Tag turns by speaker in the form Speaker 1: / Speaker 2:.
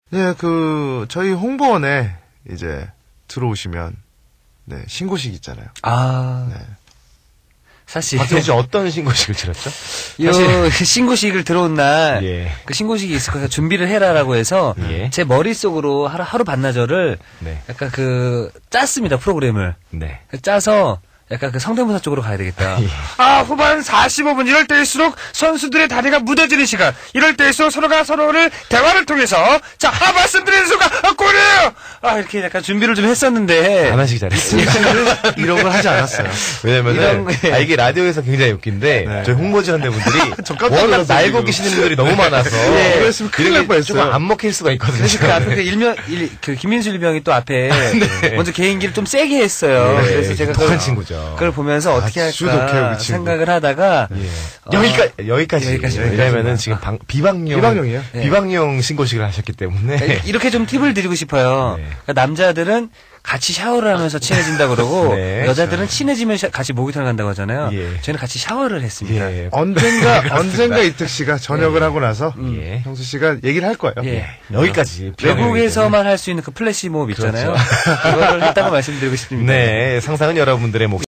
Speaker 1: 네, 저희 홍보원에 이제 들어오시면, 네, 신고식 있잖아요.
Speaker 2: 아.
Speaker 1: 네.
Speaker 2: 사실.
Speaker 3: 박정희 씨 어떤 신고식을 치렀죠?
Speaker 2: 요 신고식을 들어온 날,
Speaker 3: 예.
Speaker 2: 그 신고식이 있을 거니까 준비를 해라라고 해서,
Speaker 3: 예.
Speaker 2: 제 머릿속으로 하루 반나절을,
Speaker 3: 네.
Speaker 2: 약간 짰습니다, 프로그램을.
Speaker 3: 네.
Speaker 2: 짜서, 약간 성대모사 쪽으로 가야 되겠다.
Speaker 3: 예.
Speaker 2: 아, 후반 45분 이럴 때일수록 선수들의 다리가 무뎌지는 시간. 이럴 때일수록 서로가 서로를 대화를 통해서 말씀드리는 순간 골이에요. 이렇게 약간 준비를 좀 했었는데
Speaker 3: 안 하시기 잘했습니다.
Speaker 1: 이런 걸 하지 않았어요.
Speaker 3: 왜냐면은 이게 라디오에서 굉장히 웃긴데
Speaker 1: 네.
Speaker 3: 저희 홍보지원대분들이
Speaker 1: 깜짝
Speaker 3: 워낙
Speaker 1: 놀랐어요,
Speaker 3: 날고
Speaker 1: 지금.
Speaker 3: 계시는 분들이 너무 많아서
Speaker 1: 그랬으면 큰일 날 뻔했어요.
Speaker 3: 조금 안 먹힐 수가 있거든요.
Speaker 2: 그 앞에 김민수 일병이 또 앞에 먼저 개인기를 좀 세게 했어요.
Speaker 3: 네,
Speaker 2: 그래서 제가
Speaker 3: 독한 친구죠.
Speaker 2: 그걸 보면서 어떻게
Speaker 1: 아주 독해요,
Speaker 2: 할까
Speaker 1: 그 친구.
Speaker 2: 생각을 하다가
Speaker 3: 여기까지. 왜냐면은 지금 비방용
Speaker 1: 비방용이에요?
Speaker 3: 비방용 신고식을 하셨기 때문에
Speaker 2: 이렇게 좀 팁을 드리고 싶어요.
Speaker 3: 네.
Speaker 2: 그러니까 남자들은 같이 샤워를 하면서 친해진다 그러고
Speaker 3: 네.
Speaker 2: 여자들은 친해지면 같이 목욕탕 간다고 하잖아요.
Speaker 3: 예.
Speaker 2: 저희는 같이 샤워를 했습니다.
Speaker 3: 예.
Speaker 1: 언젠가 이특 씨가 전역을 하고 나서,
Speaker 3: 예.
Speaker 1: 형수 씨가 얘기를 할 거예요.
Speaker 2: 예.
Speaker 3: 여기까지
Speaker 2: 외국에서만 할 수 있는 그 플래시 모업 있잖아요. 그거를 했다고 말씀드리고 싶습니다.
Speaker 3: 네, 상상은 여러분들의 몫.